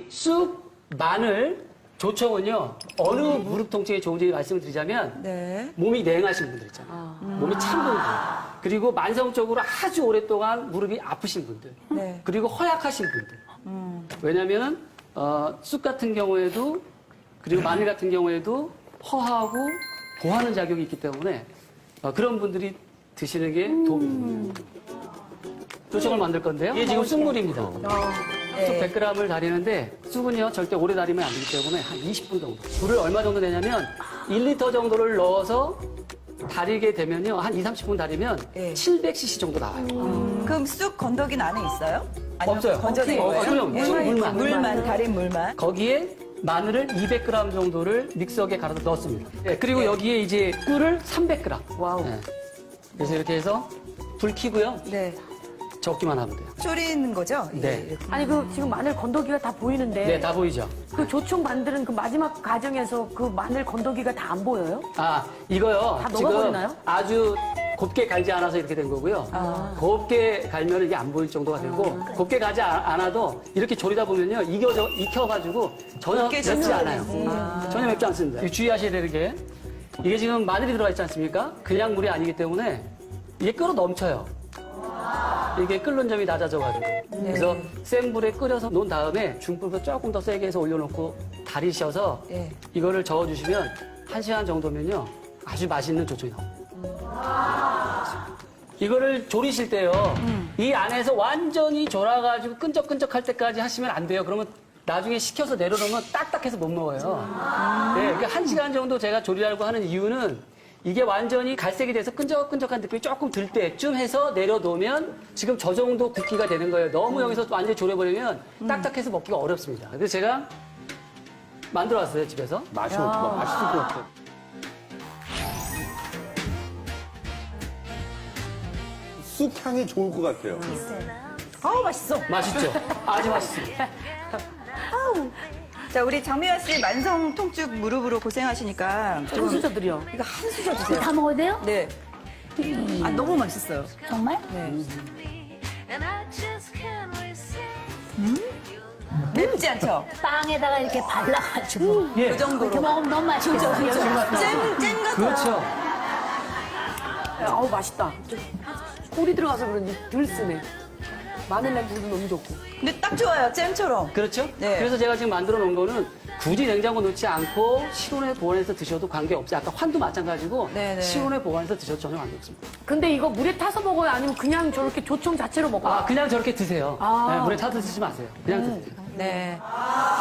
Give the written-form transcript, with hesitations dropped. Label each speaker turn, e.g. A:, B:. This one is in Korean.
A: 쑥, 마늘, 조청은요, 어느 무릎 통증에 좋은지 말씀을 드리자면,
B: 네.
A: 몸이 냉하신 분들 있잖아요. 몸이 찬 분들. 그리고 만성적으로 아주 오랫동안 무릎이 아프신 분들.
B: 네.
A: 그리고 허약하신 분들. 왜냐면은, 쑥 같은 경우에도, 그리고 마늘 같은 경우에도 허하고 보하는 작용이 있기 때문에, 그런 분들이 드시는 게 도움이 됩니다. 조청을 만들 건데요. 이게 지금 쑥물입니다. 쑥 100g을 다리는데 쑥은요 절대 오래 다리면 안 되기 때문에 한 20분 정도. 물을 얼마 정도 내냐면 1리터 정도를 넣어서 다리게 되면요 한 2, 30분 다리면
B: 네.
A: 700cc 정도 나와요.
B: 그럼 쑥 건더기는 안에 있어요? 아니면
A: 없어요.
B: 건져낸 거예요?
A: 그럼
B: 예.
A: 물만.
B: 물만, 달인 물만.
A: 거기에 마늘을 200g 정도를 믹서기에 갈아서 넣었습니다. 네, 그리고
B: 네.
A: 여기에 이제 꿀을 300g.
C: 와우.
A: 네. 그래서 이렇게 해서 불 켜고요.
B: 네.
A: 적기만 하면 돼요.
B: 졸이는 거죠? 예,
A: 네.
B: 이렇게.
C: 아니 그 지금 마늘 건더기가 다 보이는데
A: 네, 다 보이죠?
C: 그 조청 만드는 그 마지막 과정에서 그 마늘 건더기가 다 안 보여요?
A: 아, 이거요.
C: 다
A: 지금
C: 녹아버리나요?
A: 아주 곱게 갈지 않아서 이렇게 된 거고요. 곱게 갈면 이게 안 보일 정도가 되고, 곱게 가지 않아도 이렇게 졸이다 보면요. 익혀가지고 전혀
B: 곱게
A: 맵지
B: 쪄야
A: 않아요. 전혀 맵지 않습니다. 주의하셔야 되는 게, 이게 지금 마늘이 들어가 있지 않습니까? 그냥 물이 아니기 때문에 이게 끓어 넘쳐요. 이게 끓는 점이 낮아져가지고. 그래서 센 불에 끓여서 놓은 다음에 중불로 조금 더 세게 해서 올려놓고 다리셔서
B: 네.
A: 이거를 저어주시면 1시간 정도면요. 아주 맛있는 조청이 나옵니다. 이거를 졸이실 때요. 이 안에서 완전히 졸아가지고 끈적끈적할 때까지 하시면 안 돼요. 그러면 나중에 식혀서 내려놓으면 딱딱해서 못 먹어요. 네, 그러니까 1시간 정도 제가 졸이라고 하는 이유는 이게 완전히 갈색이 돼서 끈적끈적한 느낌이 조금 들 때쯤 해서 내려놓으면 지금 저 정도 굵기가 되는 거예요. 너무 여기서 완전히 졸여버리면 딱딱해서 먹기가 어렵습니다. 그래서 제가 만들어 왔어요, 집에서.
D: 맛있을 것 같아. 쑥 향이 좋을 것 같아요.
B: 아우, 맛있어.
A: 맛있죠? 아주 맛있습니다.
B: 자, 우리 장미화 씨 만성 통증 무릎으로 고생하시니까 좀
C: 한수저들이요.
B: 이거 한 수저 드세요.
E: 다 먹어도 돼요?
B: 네. 아, 너무 맛있어요.
E: 정말?
B: 네. 맵지 않죠?
E: 빵에다가 이렇게 발라가지고
A: 예.
B: 그 정도로.
E: 이렇게 먹으면 너무 맛있겠어요.
B: 잼 같아요.
A: 그렇죠.
C: 아우 맛있다. 꿀이 들어가서 그런지 덜 쓰네. 마늘 냄새도 너무 좋고.
B: 근데 딱 좋아요, 잼처럼.
A: 그렇죠?
B: 네.
A: 그래서 제가 지금 만들어 놓은 거는 굳이 냉장고 넣지 않고 실온에 보관해서 드셔도 관계없어요. 아까 환도 마찬가지고
B: 네네.
A: 실온에 보관해서 드셔도 전혀 관계없습니다.
C: 근데 이거 물에 타서 먹어요? 아니면 그냥 저렇게 조청 자체로 먹어요?
A: 그냥 저렇게 드세요. 네, 물에 타서 드시지 마세요. 그냥 드세요.
B: 네.